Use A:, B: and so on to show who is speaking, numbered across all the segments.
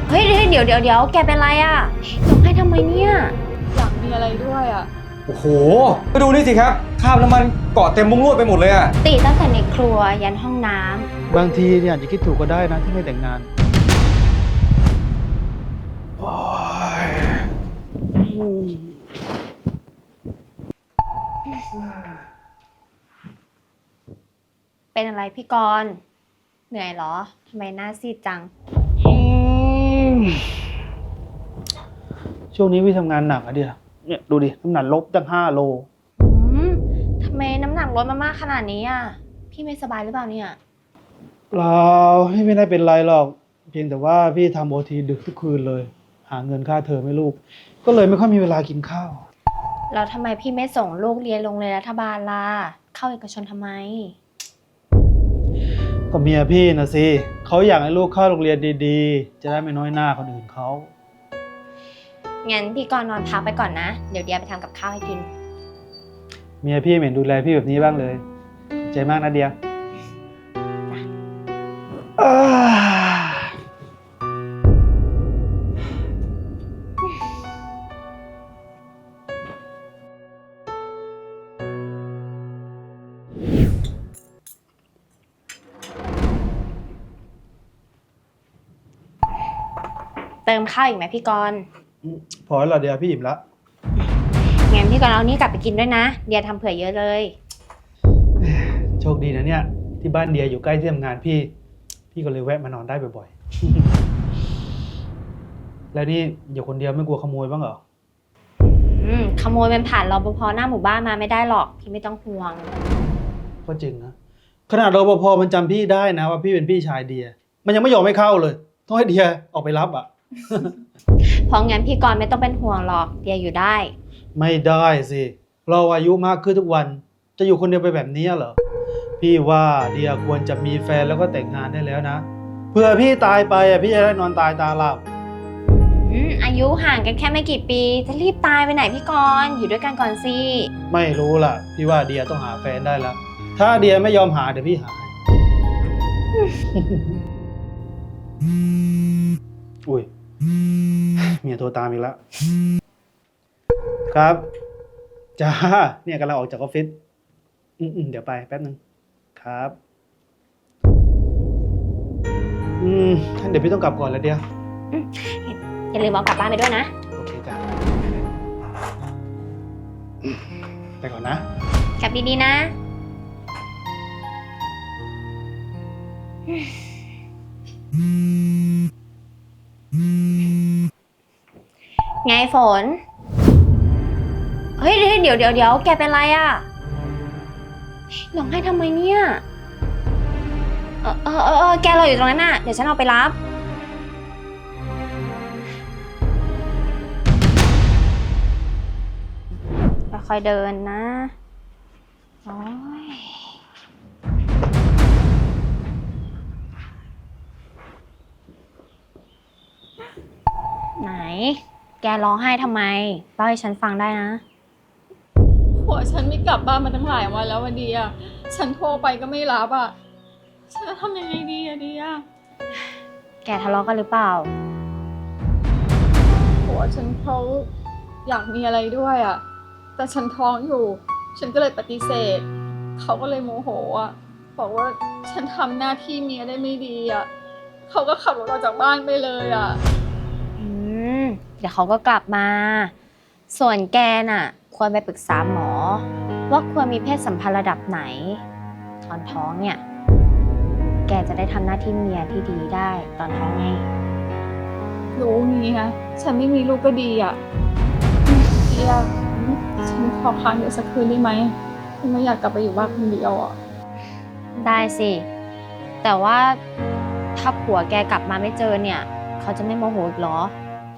A: เฮ้ยเดี๋ยวแกเป็นไรอะร้องไห้ทำไมเนี่ย
B: อยากมีอะไรด้วยอ่ะ
C: โอ้โหไปดูนี่สิครับคราบน้ำมันเกาะเต็มมุ้งลวดไปหมดเลยอะ
A: ติตั้งแต่ในครัวยันห้องน้
D: บางทีเนี่ยอาจจะคิดถูกก็ได้นะที่ไม่แต่งงาน
A: ำเป็นอะไรพี่กรณ์เหนื่อยเหรอทำไมหน้าซีดจัง
D: ช่วงนี้พี่ทำงานหนักอะเดียเนี่ยดูดิน้ำหนักลบตั้ง5 โล
A: อืมทำไมน้ำหนักลดมามากขนาดนี้อ่ะพี่ไม่สบายหรือเปล่าเนี่ย
D: เราพี่ไม่ได้เป็นไรหรอก เพียงแต่ว่าพี่ทำโอทีดึกทุกคืนเลย หาเงินค่าเทอมให้ลูก ก็เลยไม่ค่อยมีเวลากินข้าว
A: แล้วทำไมพี่ไม่ส่งลูกเรียนโรงเรียนรัฐบาลล่ะเข้าเอกชนทำไม
D: ก็เมียพี่นะสิเขาอยากให้ลูกเข้าโรงเรียนดีๆ จะได้ไม่น้อยหน้าคนอื่นเขา
A: งั้นพี่กรณ์นอนพักไปก่อนนะเดี๋ยวเดียไปทำกับข้าวให้กิน
D: เมียพี่เหม็นดูแลพี่แบบนี้บ้างเลยขอบใจมากนะเดียอ่า
A: เติมข้าวอีกไหมพี่กรณ์
D: พอแล้วเหรอเดียพี่อิ่มละ
A: งั้นพี่กรณ์เอานี่กลับไปกินด้วยนะเดียทำเผื่อเยอะเลย
D: โชคดีนะเนี่ยที่บ้านเดียอยู่ใกล้ที่ทำงานพี่ก็เลยแวะมานอนได้บ่อยๆ แล้วนี่อยู่คนเดียวไม่กลัวขโมยบ้างเหรอ
A: ขโมยมันผ่านรปภหน้าหมู่บ้านมาไม่ได้หรอกพี่ไม่ต้องห่วง
D: ก็จริงนะขนาดรปภมันจำพี่ได้นะว่าพี่เป็นพี่ชายเดียมันยังไม่ยอมให้เข้าเลยต้องให้เดียออกไปรับอ่ะ
A: เพราะงั้นพี่กรณ์ไม่ต้องเป็นห่วงหรอกเดียอยู่ได้
D: ไม่ได้สิเราอายุมากขึ้นทุกวันจะอยู่คนเดียวไปแบบนี้เหรอพี่ว่าเดียควรจะมีแฟนแล้วก็แต่งงานได้แล้วนะเผื่อพี่ตายไปอ่ะพี่จะได้นอนตายตาหลับ
A: อายุห่างกันแค่ไม่กี่ปีจะรีบตายไปไหนพี่กรณ์อยู่ด้วยกันก่อนสิ
D: ไม่รู้ล่ะพี่ว่าเดียต้องหาแฟนได้แล้วถ้าเดียไม่ยอมหาเดี๋ยวพี่หาอุ้ยเมียโทรตามอีกแล้วครับจ้าเนี่ยกำลังออกจากออฟฟิศเดี๋ยวไปแป๊บนึงครับท่านเดี๋ยวพี่ต้องกลับก่อนแล้วเดีย
A: อย่าลืมเอากลับบ้านไปด้วยนะ
D: โอเคจ้ะไปก่อนนะ
A: กลับดีๆนะไงฝนเฮ้ยเดี๋ยวแกเป็นไรอะร้องไห้ทำไมเนี่ยแกรออยู่ตรงนั้นน่ะเดี๋ยวฉันเอาไปรับค่อยๆเดินนะโอ้ยไหนแกร้องไห้ทำไมเล่าให้ฉันฟังได้นะ
B: ผัวฉันไม่กลับบ้านมาตั้งหลายวันแล้ววันดีอ่ะฉันโทรไปก็ไม่รับอ่ะฉันจะทำยังไงดีอะดีอ่ะ
A: แกทะเลาะกันหรือเปล่า
B: ผัวฉันเขาอยากมีอะไรด้วยอ่ะแต่ฉันท้องอยู่ฉันก็เลยปฏิเสธเขาก็เลยโมโหอ่ะบอกว่าฉันทำหน้าที่เมียได้ไม่ดีอ่ะเขาก็ขับรถออกจากบ้านไปเลยอ่ะ
A: เดี๋ยวเขาก็กลับมา ส่วนแกน่ะควรไปปรึกษาหมอว่าควรมีเพศสัมพันธ์ระดับไหนตอนท้องเนี่ยแกจะได้ทำหน้าที่เมียที่ดีได้ตอนท้องไง
B: รู้งี้ฮะฉันไม่มีลูกก็ดีอ่ะเดียฉันขอค้างอยู่สักคืนได้ไหมฉันไม่อยากกลับไปอยู่บ้านคนเดียวอ่ะ
A: ได้สิแต่ว่าถ้าผัวแกกลับมาไม่เจอเนี่ยเขาจะไม่โมโหอีกเหรอ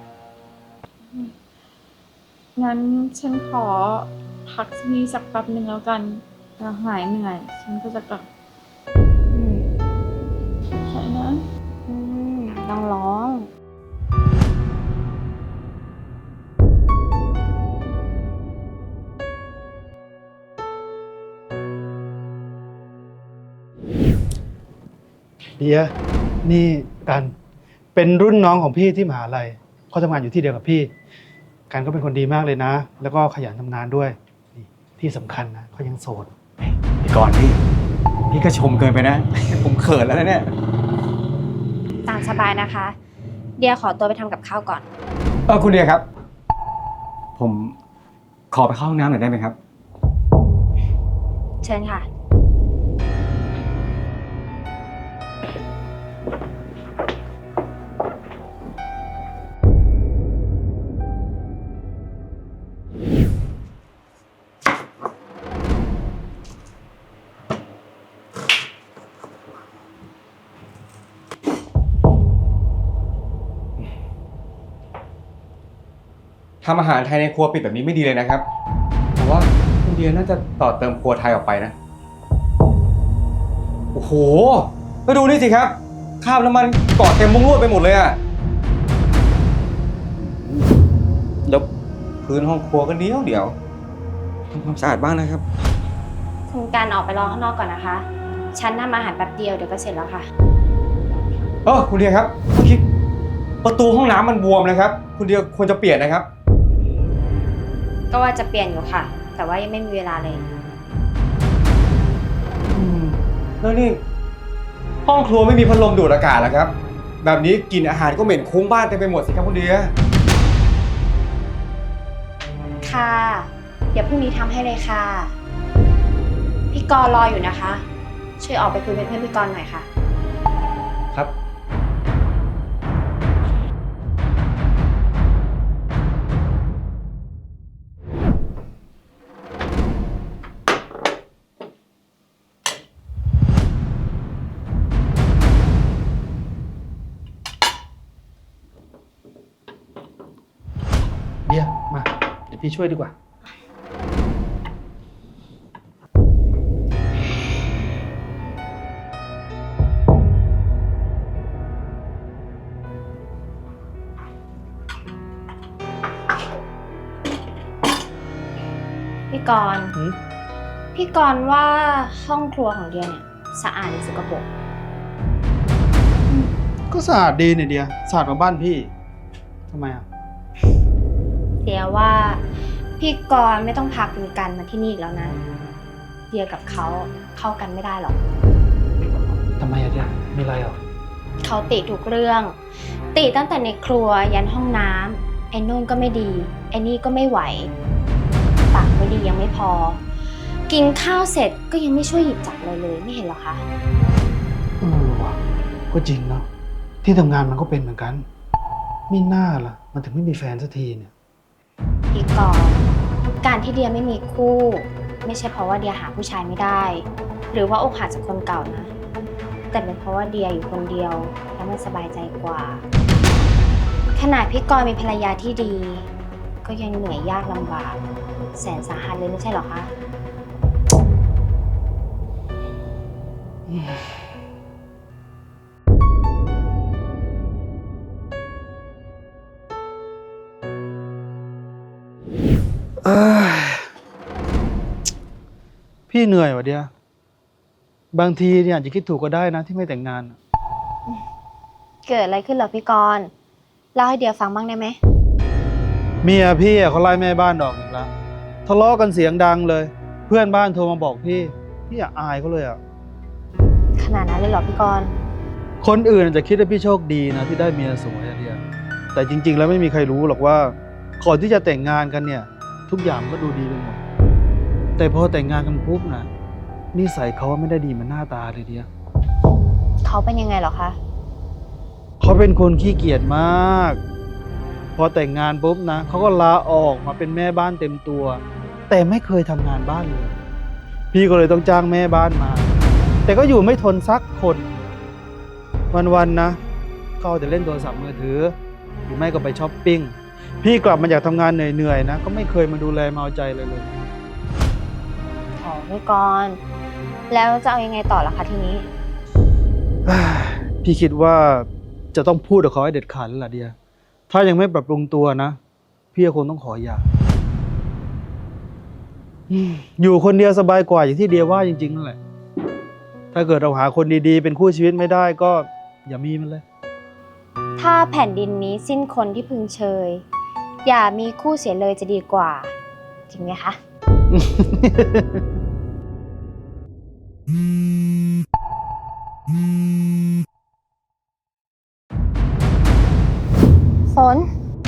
B: งั้นฉันขอพักที่นี่สักแป๊บหนึ่งแล้วกันแล้วหายเหนื่อยฉันก็จะกลับใช่นะ
A: ต้องร้อง
D: เดียนี่กันเป็นรุ่นน้องของพี่ที่มหาลัยเขาทำงานอยู่ที่เดียวกับพี่กันก็เป็นคนดีมากเลยนะ แล้วก็ขยันทำงานด้วยนี่ที่สำคัญนะเขายังโสด
C: พี่กรณ์พี่ก็ชมเกินไปนะ ผมเขินแล้วนะเนี่ย
A: ตามสบายนะคะ เดียขอตัวไปทำกับข้าวก่อน
C: คุณเดียครับ ผมขอไปเข้าห้องน้ำหน่อยได้ไหมครับ
A: เชิญค่ะ
C: ทำอาหารไทยในครัวปิดแบบนี้ไม่ดีเลยนะครับผมว่าคุณเดียน่าจะต่อเติมครัวไทยออกไปนะ โอ้โหก็ดูนี่สิครับคราบน้ำมันเกาะเต็มมุ้งลวดไปหมดเลยอะแล้วพื้นห้องครัวก็เดี๋ยวทำความสะอาดบ้างนะครับ
A: คุณการออกไปรอข้างนอกก่อนนะคะ ฉันทำอาหารแป๊บเดียวเดี๋ยวก็เสร็จแล้วค่ะ
C: คุณเดียครับเมื่อกี้ประตูห้องน้ำมันบวมนะครับ คุณเดียควรจะเปลี่ยนนะครับ
A: ก็ว่าจะเปลี่ยนอยู่ค่ะ แต่ว่ายังไม่มีเวลาเลย
C: แล้วนี่ห้องครัวไม่มีพัดลมดูดอากาศแล้วครับ แบบนี้กลิ่นอาหารก็เหม็นคุ้งบ้านเต็มไปหมดสิครับคุณเดีย
A: ค่ะ เดี๋ยวพรุ่งนี้ทำให้เลยค่ะ พี่กรณ์รออยู่นะคะ ช่วยออกไปคุยเป็นเพื่อนพี่กรณ์หน่อยค่ะ
C: ครับ
D: เดียมาเดี๋ยวพี่ช่วยดีกว่า
A: พี่กรณ์
D: หืม
A: พี่กรณ์ว่าห้องครัวของเดียเนี่ยสะอาดหรือสกปรก
D: ก็สะอาดดีเนี่ยเดียสะอาดกว่าบ้านพี่ทำไมอ่ะ
A: เดียว่าพี่กรณ์ไม่ต้องพาคุณกันมาที่นี่อีกแล้วนะ เดียกับเขาเข้ากันไม่ได้หรอก
D: ทำไมอะเดียมีอะไรอ่ะ
A: เขาติทุกเรื่อง ติตั้งแต่ในครัวยันห้องน้ำไอ้นู่นก็ไม่ดี ไอ้นี่ก็ไม่ไหว ปากไม่ดียังไม่พอ กินข้าวเสร็จก็ยังไม่ช่วยหยิบจับเลยไม่เห็นเหรอคะ
D: ว่ะก็จริงเนาะที่ทำงานมันก็เป็นเหมือนกันไม่น่าล่ะ มันถึงไม่มีแฟนสักทีเนี่ย
A: พี่กรณ์การที่เดียไม่มีคู่ ไม่ใช่เพราะว่าเดียหาผู้ชายไม่ได้ หรือว่าอกหักจากคนเก่านะ แต่เป็นเพราะว่าเดียอยู่คนเดียวแล้วมันสบายใจกว่า ขนาดพี่กรณ์มีภรรยาที่ดี ก็ยังเหนื่อยยากลำบาก แสนสาหัสเลยไม่ใช่เหรอคะ
D: พี่เหนื่อยว่ะเดียบางทีเนี่ยอาจจะคิดถูกก็ได้นะที่ไม่แต่งงาน
A: เกิดอะไรขึ้นเหรอพี่กรณ์เล่าให้เดียฟังบ้างได้ไหม
D: เมียพี่อะเขาไล่แม่บ้านออกอีกแล้วทะเลาะกันเสียงดังเลย เพื่อนบ้านโทรมาบอกพี่อยากอายเขาเลยอ่ะ
A: ขนาดนั้นเลยเหรอพี่กรณ์
D: คนอื่นอาจจะคิดว่าพี่โชคดีนะที่ได้เมียสวยอะเดียแต่จริง ๆ แล้วไม่มีใครรู้หรอกว่าก่อนที่จะแต่งงานกันเนี่ย ทุกอย่างก็ดูดีไปหมดแต่พอแต่งงานกันปุ๊บนะนิสัยเขาไม่ได้ดีเหมือนหน้าตาเลยเดีย
A: เขาเป็นยังไงเหรอคะ
D: เขาเป็นคนขี้เกียจมาก พอแต่งงานปุ๊บนะเขาก็ลาออกมาเป็นแม่บ้านเต็มตัว แต่ไม่เคยทำงานบ้านเลย พี่ก็เลยต้องจ้างแม่บ้านมา แต่ก็อยู่ไม่ทนสักคน วันๆนะเขาเอาแต่เล่นโทรศัพท์มือถือหรือไม่ก็ไปช้อปปิ้งพี่กลับมาจากทำงานเหนื่อยๆนะก็ไม่เคยมาดูแลมาเอาใจเลย
A: อ๋อพี่กรณ์แล้วจะเอายังไงต่อล่ะคะทีนี้
D: พี่คิดว่าจะต้องพูดกับเขาให้เด็ดขาดแล้วล่ะเดียถ้ายังไม่ปรับปรุงตัวนะพี่ก็คงต้องขอหย่าอยู่คนเดียวสบายกว่าอย่างที่เดียว่าจริงๆนั่นแหละถ้าเกิดเราหาคนดีๆเป็นคู่ชีวิตไม่ได้ก็อย่ามีมันเลย
A: ถ้าแผ่นดินนี้สิ้นคนที่พึงเชย อย่ามีคู่เสียเลยจะดีกว่า จริงไหมคะ ฝน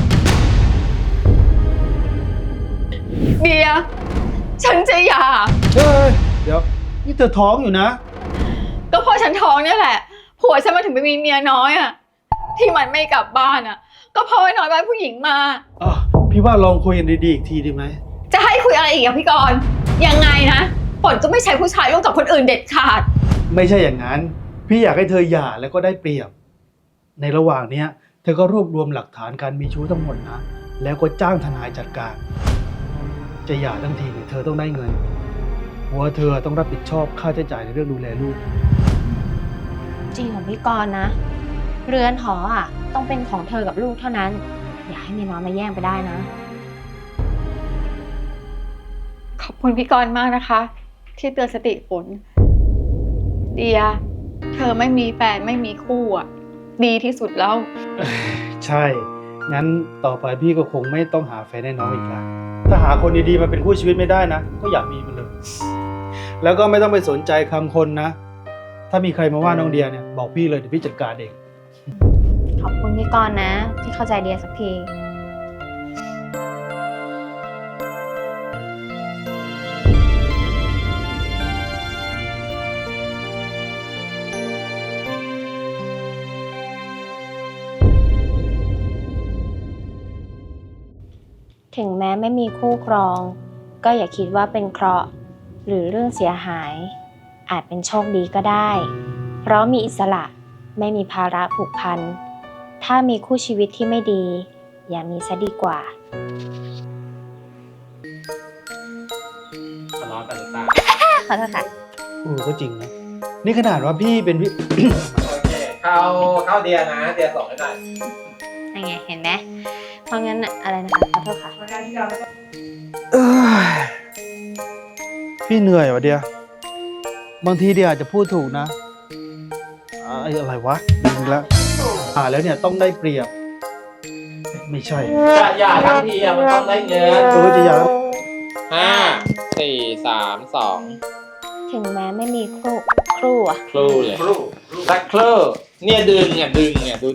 B: เดีย ฉันจะหย่า
D: เฮ้ยเดี๋ยวนี่เธอท้องอยู่นะ
B: ก็เพราะฉันท้องเนี่ยแหละ ผัวฉันมาถึงไปมีเมียน้อยอะที่มันไม่กลับบ้านอะก็เพราะว่าน้อยบ้านผู้หญิงมา
D: พี่ว่าลองคุยกันดีๆอีกทีดีไหม
B: จะให้คุยอะไรอีกอะพี่กรณ์ยังไงนะฝนจะไม่ใช้ผู้ชายร่วมกับคนอื่นเด็ดขาด
D: ไม่ใช่อย่างนั้น พี่อยากให้เธอหย่าแล้วก็ได้เปรียบ ในระหว่างเนี้ย เธอก็รวบรวมหลักฐานการมีชู้ทั้งหมดนะ แล้วก็จ้างทนายจัดการ จะหย่าทั้งทีเนี่ยเธอต้องได้เงินหัวเธอต้องรับผิดชอบค่าใช้จ่ายในเรื่องดูแลลูก
A: จริงของพี่กรณ์นะ เรือนหออ่ะ ต้องเป็นของเธอกับลูกเท่านั้น อย่าให้เมียน้อยมาแย่งไปได้นะ
B: ขอบคุณพี่กรณ์มากนะคะ ที่เตือนสติฝนเดีย เธอไม่มีแฟนไม่มีคู่อะดีที่สุดแล้ว
D: ใช่ งั้นต่อไปพี่ก็คงไม่ต้องหาแฟนให้น้องอีกละถ้าหาคนดีๆมาเป็นคู่ชีวิตไม่ได้นะ ก็อย่ามีมันเลย แล้วก็ไม่ต้องไปสนใจคำคนนะ ถ้ามีใครมาว่าน้องเดียเนี่ยบอกพี่เลยเดี๋ยวพี่จัดการเอง
A: ขอบคุณพี่กรณ์นะ ที่เข้าใจเดียสักที ถึงแม้ไม่มีคู่ครอง ก็อย่าคิดว่าเป็นเคราะห์หรือเรื่องเสียหาย อาจเป็นโชคดีก็ได้ เพราะมีอิสระไม่มีภาระผูกพัน ถ้ามีคู่ชีวิตที่ไม่ดี อย่ามีซะดีกว่า
C: ทะเลาะกันหรือเปล่า
A: ขอโทษค่ะ
D: ก็จริงนะ นี่ขนาดว่าพี่เป็นพี่
C: โอเค เข้าเดียนะ เดียส่งให้หน่อย
A: ยังไงเห็นไหมเพราะงั้นอะไรนะคะขอโทษค่ะ
D: เอ้ยพี่เหนื่อยว่ะเดีย บางทีเดียอาจจะพูดถูกนะอะไรวะลืมแล้วแล้วเนี่ยต้องได้เปรียบ ไม่ใช่
E: จะหย่าทั้งทีอะมันต้องได้เงิน
D: จะหย่า
E: 5 4 3 2
A: ถึงแม้ไม่มีครูอะ
E: ครูเลยสักครู่เนี่ยดึงดู